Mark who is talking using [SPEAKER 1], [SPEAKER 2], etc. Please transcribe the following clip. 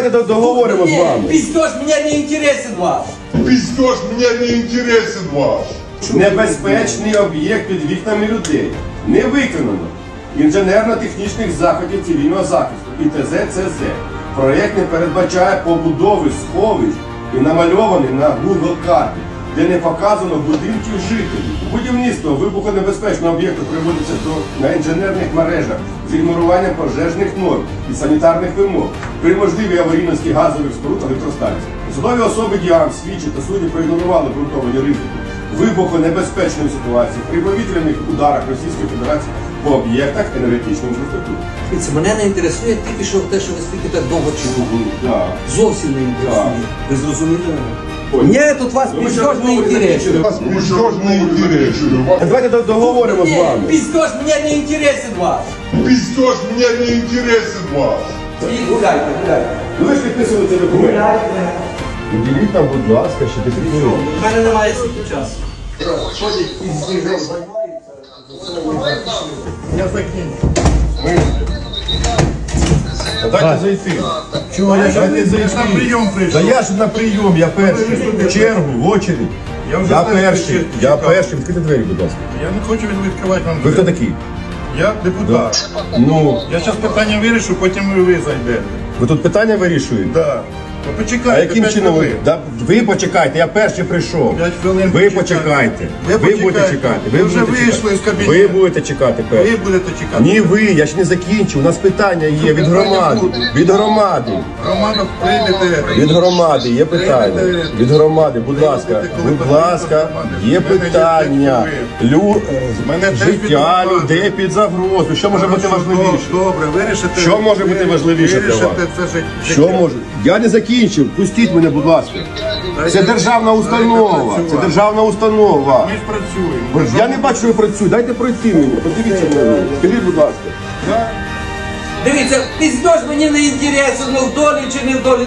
[SPEAKER 1] Давайте договоримо з вами.
[SPEAKER 2] Пиздеж, мне не интересен ваш.
[SPEAKER 3] Пиздеж, мне не интересен ваш.
[SPEAKER 1] Небезпечний об'єкт під вікнами людей. Не виконано інженерно-технічних заходів цивільного захисту ІТЗ-ЦЗ. Проєкт не передбачає побудови сховищ і намальований на Google карті, де не показано будинків жителів. Будівництво вибухонебезпечного об'єкту приводиться на інженерних мережах з ігноруванням пожежних норм і санітарних вимог при можливій аварійності газових споруд електростанцій. Судові особи діям, слідчі та судді проігнорували ґрунтовані ризики вибухонебезпечної ситуації при повітряних ударах Російської Федерації по об'єктах енергетичної інфраструктури.
[SPEAKER 2] Дивіться, мене не інтересує тільки що те, що ви стільки так довго чули.
[SPEAKER 1] Так.
[SPEAKER 2] Зовсім не інтересує. Ви зрозуміли мене?
[SPEAKER 1] Ой.
[SPEAKER 2] Мені тут вас пиздеж не інтересує.
[SPEAKER 3] Вас пиздеж не интересен.
[SPEAKER 1] Давайте договоримо з вами.
[SPEAKER 2] Пиздеж, мне не интересен ваш.
[SPEAKER 3] Пиздеж, мне не интересен ваш.
[SPEAKER 2] І гуляйте, гуляйте.
[SPEAKER 1] Ну ви ж підписували цей документ. Уділіть нам, будь ласка, ще 10 хвилин.
[SPEAKER 2] У мене немає стільки часу.
[SPEAKER 4] Я закінчу.
[SPEAKER 1] Дайте зайти.
[SPEAKER 4] Чого я
[SPEAKER 1] Дайте зайти.
[SPEAKER 4] на прийом
[SPEAKER 1] Та
[SPEAKER 4] прийшов?
[SPEAKER 1] я ж на прийом, я перший. В чергу, в очередь.
[SPEAKER 4] Я вже
[SPEAKER 1] Я
[SPEAKER 4] знаю,
[SPEAKER 1] перший,
[SPEAKER 4] що
[SPEAKER 1] я
[SPEAKER 4] цікаво.
[SPEAKER 1] перший. Відкрийте двері, будь ласка.
[SPEAKER 4] Я не хочу відкривати вам
[SPEAKER 1] Ви хто
[SPEAKER 4] двері.
[SPEAKER 1] такий?
[SPEAKER 4] Я депутат.
[SPEAKER 1] Ну,
[SPEAKER 4] Я зараз питання вирішу, потім ви зайдете.
[SPEAKER 1] ви тут питання вирішуєте?
[SPEAKER 4] Да. Ну,
[SPEAKER 1] А
[SPEAKER 4] почекайте,
[SPEAKER 1] яким
[SPEAKER 4] 5
[SPEAKER 1] чином ви?
[SPEAKER 4] хвилин.
[SPEAKER 1] Да, ви почекайте, я перший прийшов.
[SPEAKER 4] 5 хвилин
[SPEAKER 1] Ви
[SPEAKER 4] почекайте.
[SPEAKER 1] почекайте.
[SPEAKER 4] Ви
[SPEAKER 1] будете
[SPEAKER 4] почекайте.
[SPEAKER 1] чекати.
[SPEAKER 4] Ви вже
[SPEAKER 1] будете
[SPEAKER 4] вийшли
[SPEAKER 1] чекати.
[SPEAKER 4] з кабінету.
[SPEAKER 1] Ви будете чекати перший.
[SPEAKER 4] Ви будете чекати.
[SPEAKER 1] Ні, ви, я ж не закінчив. У нас питання є від громади. Від громади.
[SPEAKER 4] Романов, прийдете.
[SPEAKER 1] Від громади є питання. Від громади, будь ласка, будь ласка, є питання.
[SPEAKER 4] Мене теж
[SPEAKER 1] Життя
[SPEAKER 4] підготували.
[SPEAKER 1] людей під загрозу. Що може бути важливіше?
[SPEAKER 4] Добре, вирішите.
[SPEAKER 1] Що може бути важливіше для вас?
[SPEAKER 4] Вирішите це життя.
[SPEAKER 1] Що може? Я не закінчив. Пустіть мене, будь ласка. Це державна установа. Це державна установа.
[SPEAKER 4] Ми ж працюємо.
[SPEAKER 1] Я не бачу, що ви працюєте. Дайте пройти мені. Подивіться на мене. Скажіть, будь ласка.
[SPEAKER 2] Дивіться, пиздеж мені не інтересен, ну в долі чи не в долі.